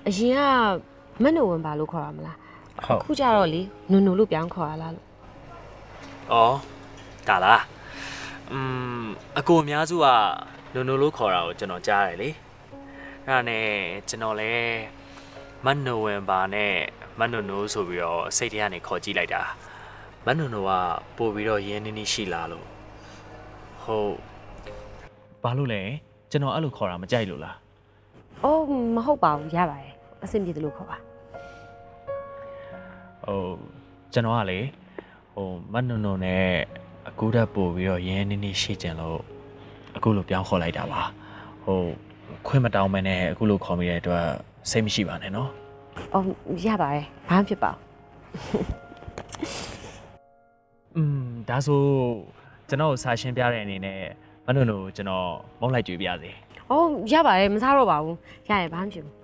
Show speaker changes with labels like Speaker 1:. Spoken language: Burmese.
Speaker 1: အရင်ကမနိုဝင်ဘာလို့ခေါ်ရမလားအခုကြတော့လေနုံနုံလို့ပြောင်းခေါ်ရလားလို့
Speaker 2: ဩဒါလားအကိုအများစုကနိုနိုလို့ခေါ်တာကိုကျွန်တော်ကြားရတယ်လေအဲ့ဒါနဲ့ကျွန်တော်လည်းမနိုဝင်ဘာနဲ့မနိုနိုဆိုပြီးတော့စိတ်ထဲကနေခေါ်ကြည့်လိုက်တာမနိုနိုကပို့ပြီးတော့ရင်းနှီးနှီးရှိလားလို့ဟုတ်ဘာလို့လဲကျွန်တော်အဲ့လိုခေါ်တာမကြိုက်လို့လား
Speaker 1: အော်မဟုတ်ပါဘူးရပါတယ်အဆင်ပြေတယ်လို့ခေါ်ပါ
Speaker 2: ကျွန်တော်ကလေမနုံနုံနဲ့အကူတက်ပို့ပြီးတော့ရင်းနှီးနှီးရှိကြလို့အခုလိုပြောင်းခေါ်လိုက်တာပါခွင့်မတောင်းမနဲ့အခုလိုခေါ်မိတဲ့အတွက်စိတ်မရှိပါနဲ့နော်
Speaker 1: အော်ရပါတယ်ဘာမှဖြစ်ပါဘူး
Speaker 2: ဒါဆိုကျွန်တော်စာရှင်းပြတဲ့အနေနဲ့မနုံနုံကျွန်တော်မုန်းလိုက်ကြွေးပြစေ
Speaker 1: အော်ရပါတယ်မစားတော့ပါဘူးရရဘာမှဖြစ်ဘူး